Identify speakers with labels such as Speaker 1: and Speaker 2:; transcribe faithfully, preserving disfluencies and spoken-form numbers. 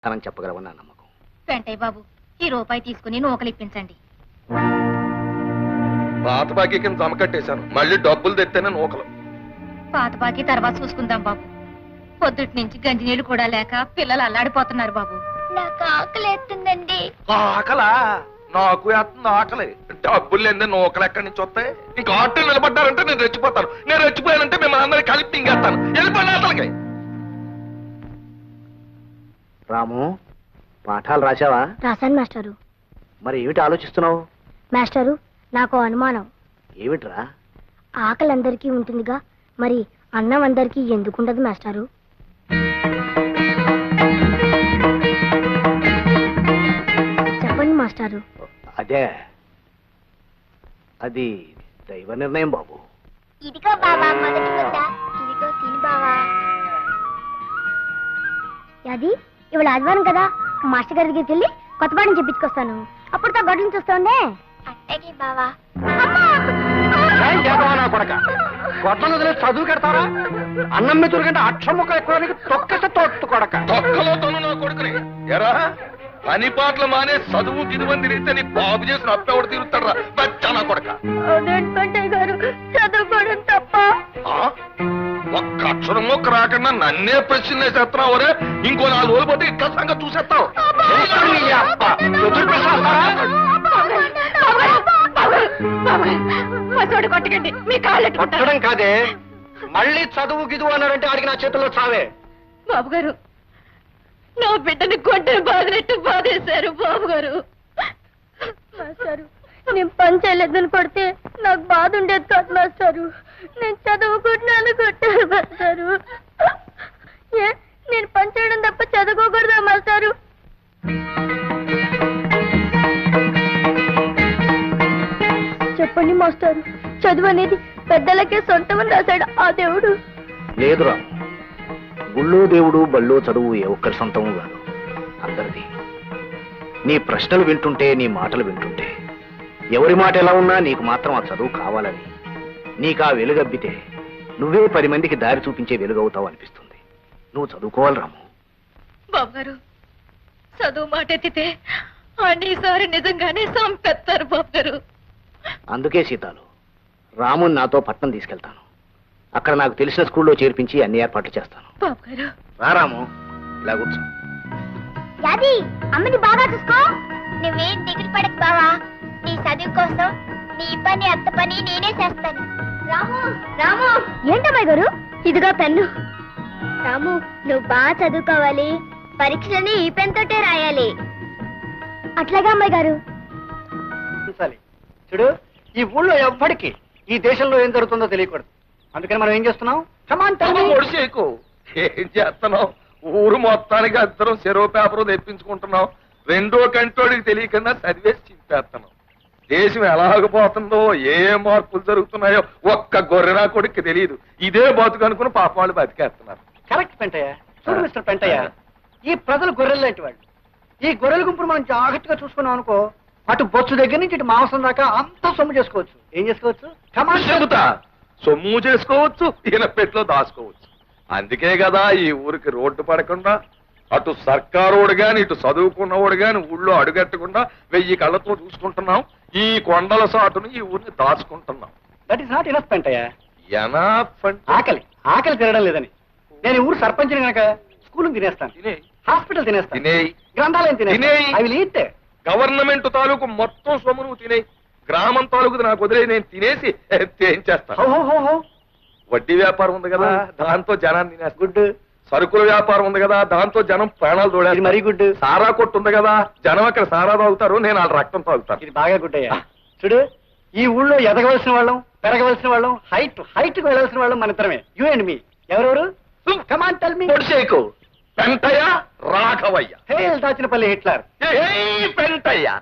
Speaker 1: అని చెప్పగలవని నా నమ్మకం.
Speaker 2: వెంటయ్య బాబు, ఈ రూపాయి తీసుకుని నూకలు ఇప్పించండి.
Speaker 3: పాత బాకీ కింద జమ కట్టేశాను, మళ్ళీ డబ్బులు తెత్తేనే నూకలు.
Speaker 2: పాత బాకీ తర్వాత చూసుకుందాం బాబు. పొద్దుటి నుంచి గంజి నీళ్లు కూడా లేక పిల్లలు అల్లాడిపోతున్నారు బాబు.
Speaker 4: నాకు ఆకలి ఎత్తుందండి.
Speaker 3: ఆకలా? నాకు వేస్తుంది ఆకలి. డబ్బులు లేదే నూకలు ఎక్కడి నుంచి వస్తాయి? ఇంకా ఆటో నిలబడ్డారంటే నేను రెచ్చిపోతాను. నేను రెచ్చిపోయానంటే మిమ్మల్ని అందరినీ కలిపి తింగేస్తాను. వెళ్ళిపోయిన అసలుకి.
Speaker 1: రాము, పాఠాలు రాశావా?
Speaker 4: రాశాను మాస్టారు.
Speaker 1: మరి ఏమిటి ఆలోచిస్తున్నావు?
Speaker 4: మాస్టారు, నాకు అనుమానం.
Speaker 1: ఏమిట్రా?
Speaker 4: ఆకలి అందరికీ ఉంటుందిగా, మరి అన్నం అందరికీ ఎందుకుండదు మాస్టారు? చెప్పండి మాస్టారు.
Speaker 1: అదే, అది దైవ నిర్ణయం బాబు.
Speaker 4: ఇదిగో బావా మొదటి ముద్ద. ఇదిగో తిని బావా. అది ఇవాళ ఆదివారం కదా, మాస్టర్ గారి దగ్గరికి వెళ్ళి కొత్త పాఠం చెప్పించుకొస్తాను. అప్పుడు తా గడ్డలు చూస్తుండే. అట్టగే బావా.
Speaker 1: గొడ్డలు వదిలే చదువు కడతారా? అన్నం మెతురు కంటే అక్షర ముక్క ఎక్కువ తొక్కస తోట్టు కొడక.
Speaker 3: తొక్కలో తను నా కొడుకుని ఎరా పని పాటలు మానే చదువు గిదువని తిరిగితే నీ బాబు చేసిన అప్పెవడు తిరుగుతారా బచ్చా నా కొడక.
Speaker 4: గారు చదువుకోవడం తప్ప.
Speaker 3: ఒక్క అక్షరం మొక్క రాకుండా నన్నే ప్రశ్న వేసేస్తున్నావు. రే ఇంకో నాలుగు రోజులు పోతే ఇక్కడ సంగతి చూసేస్తావు.
Speaker 2: కొట్టకండి, మీ కాళ్ళు
Speaker 1: కొట్టడం కాదే, మళ్ళీ చదువు గిదువు అన్నారంటే ఆడికి నా చేతుల్లో చావే.
Speaker 2: బాబు గారు, నా బిడ్డని కొట్టని బాధినట్టు బాధేశారు బాబు గారు.
Speaker 4: మాస్టారు, నేను పని చేయలేదని కొడితే నాకు బాధ ఉండేది కాదు మాస్టారు. నేను చదువుకుంటున్నాను కొట్టారు మాస్టారు. ఏ నేను పని చేయడం తప్ప చదువుకోకూడదా మాస్టారు? చెప్పండి మాస్టారు, చదువు అనేది పెద్దలకే సొంతమని రాశాడు ఆ దేవుడు.
Speaker 1: లేదురా, గుళ్ళో దేవుడు బళ్ళో చదువు ఏ ఒక్కరి సొంతము కాదు, అందరిది. నీ ప్రశ్నలు వింటుంటే, నీ మాటలు వింటుంటే, ఎవరి మాట ఎలా ఉన్నా నీకు మాత్రం ఆ చదువు కావాలని, నీకు ఆ వెలుగబ్బితే నువ్వే పది మందికి దారి చూపించే వెలుగవుతావు అనిపిస్తుంది. నువ్వు చదువుకోవాలి రాము.
Speaker 2: బాబు గారు, చదువు మాట ఎత్తితే అన్నిసారి నిజంగానే సంపెత్తారు బాబు గారు.
Speaker 1: అందుకే సీతాలు, రాముని నాతో పట్నం తీసుకెళ్తాను. అక్కడ నాకు తెలిసిన స్కూల్లో చేర్పించి అన్ని ఏర్పాట్లు చేస్తాను.
Speaker 2: బాబు గారు,
Speaker 1: రా రాము, ఇలా కూర్చో.
Speaker 4: యాది అమ్మని బాగా చూసుకో. నువ్వేం దిగులు పడకు బావా. నీ చదువు కోసం నీ పని అత్త పని నేనే చేస్తాను. రాము రాము ఏంటమ్మాయి గారు, ఇదిగో పెన్ను. రాము, నువ్వు బాగా చదువుకోవాలి. పరీక్షలని ఈ పెన్ తోటే రాయాలి. అట్లాగా అమ్మాయి గారు.
Speaker 1: చూడు, ఈ ఊళ్ళో ఎవ్వడికి ఈ దేశంలో ఏం జరుగుతుందో తెలియకూడదు. అందుకని మనం ఏం చేస్తున్నాం?
Speaker 3: ఒడిసేకు ఏం చేస్తున్నావు? ఊరు మొత్తానికి అందరం చెరువు పేపర్ తెప్పించుకుంటున్నాం. రెండో కంటోడికి తెలియకుండా చదివేసి చింపేస్తున్నాం. దేశం ఎలాగపోతుందో, ఏ మార్పులు జరుగుతున్నాయో ఒక్క గొర్రెనా కొడుక్కి తెలియదు. ఇదే బతుకు అనుకుని పాప వాళ్ళు బతికేస్తున్నారు.
Speaker 5: కరెక్ట్ పెంటయ్య. చూడు మిస్టర్ పెంటయ్య, ఈ ప్రజలు గొర్రెలు లాంటి వాళ్ళు. ఈ గొర్రెల గుంపును మనం జాగ్రత్తగా చూసుకున్నాం అనుకో, అటు బొచ్చు దగ్గర నుంచి ఇటు మాంసం దాకా అంతా సొమ్ము చేసుకోవచ్చు. ఏం చేసుకోవచ్చు?
Speaker 3: చెబుతా, సొమ్ము చేసుకోవచ్చు, ఈయన పెట్లో దాచుకోవచ్చు. అందుకే కదా ఈ ఊరికి రోడ్డు పడకుండా అటు సర్కారోడు గాని ఇటు చదువుకున్నవాడు గాని ఊళ్ళో అడుగట్టకుండా వెయ్యి కళ్ళతో చూసుకుంటున్నాం. ఈ కొండల సాటును ఈ ఊరిని దాచుకుంటున్నాం.
Speaker 5: That is not enough Pentayya.
Speaker 3: Enough అంటే
Speaker 5: ఆకలి ఆకలి తినడం లేదని నేను ఈ ఊరు సర్పంచిని కనుక స్కూల్ తినేస్తాను,
Speaker 3: తినే
Speaker 5: హాస్పిటల్ తినేస్తాను,
Speaker 3: తినేయి,
Speaker 5: గ్రంథాలయం తినేస్తాను.
Speaker 3: తినేయి.
Speaker 5: I will eat.
Speaker 3: గవర్నమెంట్ తాలూకు మొత్తం సొమ్ము నువ్వు తినేయి. గ్రామం తాలూకు నాకు వదిలే, నేను తినేసి ఏం చేస్తాను?
Speaker 5: హో హో హో హో.
Speaker 3: వడ్డీ వ్యాపారం ఉంది కదా, దాంతో జనాన్ని తినేస్తా.
Speaker 5: గుడ్.
Speaker 3: సరుకుల వ్యాపారం ఉంది కదా, దాంతో జనం ప్రాణాలు తోడారు.
Speaker 5: ఇది మరీ గుడ్.
Speaker 3: సారా కొట్టు ఉంది కదా, జనం అక్కడ సారా తాగుతారు, నేను వాళ్ళ రక్తం తాగుతాను.
Speaker 5: ఇది బాగా గుడ్ అయ్యా. చూడు, ఈ ఊళ్ళో ఎదగవలసిన వాళ్ళం, పెరగవలసిన వాళ్ళం, హైట్ హైట్ కు వెళ్ళవలసిన వాళ్ళం మన ఇద్దరమే. You and me. ఎవరెవరు? Come on tell me.
Speaker 3: పొడిసేకు పెంటయ్య, రాఘవయ్య.
Speaker 5: Hey Dachinapalli Hitler.
Speaker 3: ఏయ్ పెంటయ్య.